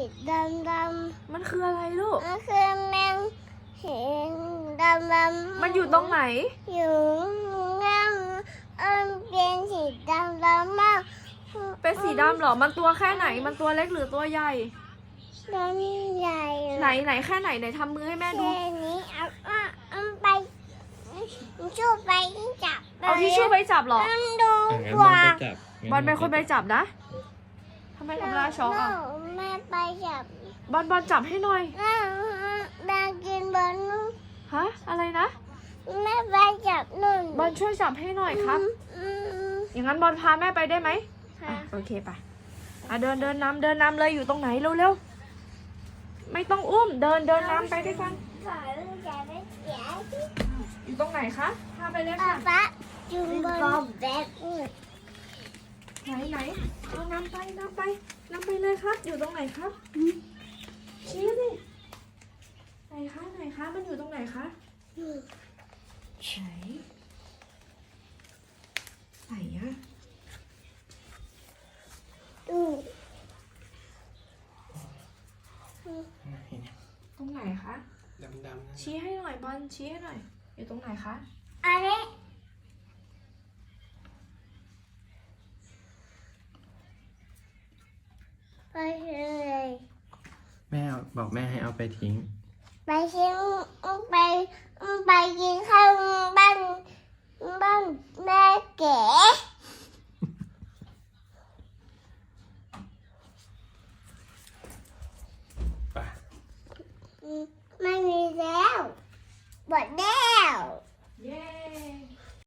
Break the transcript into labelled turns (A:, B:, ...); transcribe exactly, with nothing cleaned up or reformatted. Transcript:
A: ดำดำ
B: มันคืออะไรลูก
A: มันคือแมงเห็นดำดำ
B: มันอยู่ตรงไหน
A: อยู่นั่งเอิมเป็นสีดำดำมาก
B: เป็นสีดำเหรอมันตัวแค่ไหนมันตัวเล็กหรือตัวใหญ่
A: ตัวใหญ่
B: ไหนไหนแค่ไหนไหนทำมือให้แม่ดู
A: แค่นี้เอาเอาไปชูไปจับ
B: เอาทิชชู่ไปจับเหรอ
A: มันดู
C: อ่ะงั้น
A: ก
C: บอล
A: ว่า
C: ไปจับบ
B: อลเป็นคนไปจับนะทำไมทำลายช็อกอ่ะ
A: แม่ไปจับบ
B: อลบอลจับให้หน่อย
A: แม่แม่กินบอลนู่น
B: ฮะอะไรนะ
A: แม่ไปจับนู่น
B: บอลช่วยจับให้หน่อยครับ
A: อืม
B: อย่างนั้นบอลพาแม่ไปได้ไหม
A: ค่ะ
B: อ่ะโอเคไปอ่ะเดินเดินนำเดินนำเลยอยู่ตรงไหนเร็วๆไม่ต้องอุ้มเดินเดินนำไปด้วยกัน
A: ขอลูกจะไม่เสีย
B: อยู่ตรงไหนคะพาไปเลย
A: ป๊า
B: ค่ะ
A: ป๊าจุงบอลแบก
B: ไหนไหนเอานำไปนำไปนำไปเลยครับ อยู่ตรงไหนครับชี้สิไหนคะไหนคะมันอยู่ตรงไหนคะไหนไหนอะ
A: ดู
B: ตรงไหนคะ
C: ดำดำ
B: ชี้ให้หน่อยบอลชี้ให้หน่อย อยู่ตรงไหนคะ
A: อะไรไปเลย
C: แม่บอกแม่ให้เอาไปทิ้ง
A: ไปชิมไปไปกินข้าว